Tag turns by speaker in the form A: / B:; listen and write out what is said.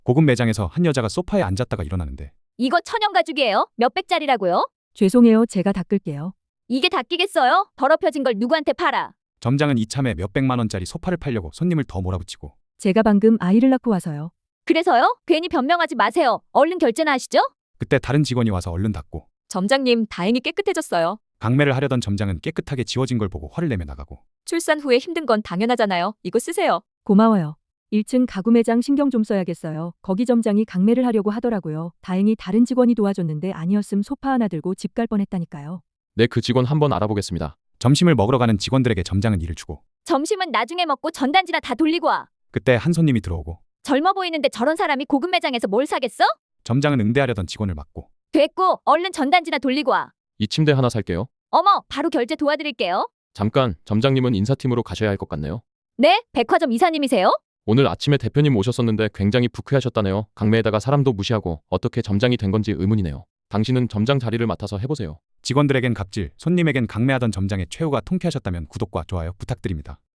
A: 고급 매장에서 한 여자가 소파에 앉았다가 일어나는데
B: 이거 천연 가죽이에요. 몇백짜리라고요?
C: 죄송해요. 제가 닦을게요.
B: 이게 다 끼겠어요? 더럽혀진 걸 누구한테 팔아?
A: 점장은 이참에 몇백만 원짜리 소파를 팔려고 손님을 더 몰아붙이고
C: 제가 방금 아이를 낳고 와서요.
B: 그래서요? 괜히 변명하지 마세요. 얼른 결제나 하시죠?
A: 그때 다른 직원이 와서 얼른 닫고
D: 점장님, 다행히 깨끗해졌어요.
A: 강매를 하려던 점장은 깨끗하게 지워진 걸 보고 화를 내며 나가고
D: 출산 후에 힘든 건 당연하잖아요. 이거 쓰세요.
C: 고마워요. 1층 가구 매장 신경 좀 써야겠어요. 거기 점장이 강매를 하려고 하더라고요. 다행히 다른 직원이 도와줬는데 아니었음 소파 하나 들고 집 갈 뻔했다니까요.
E: 네, 그 직원 한번 알아보겠습니다.
A: 점심을 먹으러 가는 직원들에게 점장은 일을 주고
B: 점심은 나중에 먹고 전단지나 다 돌리고 와.
A: 그때 한 손님이 들어오고
B: 젊어 보이는데 저런 사람이 고급 매장에서 뭘 사겠어?
A: 점장은 응대하려던 직원을 막고
B: 됐고 얼른 전단지나 돌리고 와.
E: 이 침대 하나 살게요.
B: 어머, 바로 결제 도와드릴게요.
E: 잠깐, 점장님은 인사팀으로 가셔야 할 것 같네요.
B: 네? 백화점 이사님이세요?
E: 오늘 아침에 대표님 오셨었는데 굉장히 부쾌하셨다네요. 강매에다가 사람도 무시하고 어떻게 점장이 된 건지 의문이네요. 당신은 점장 자리를 맡아서 해보세요.
A: 직원들에겐 갑질, 손님에겐 강매하던 점장의 최후가 통쾌하셨다면 구독과 좋아요 부탁드립니다.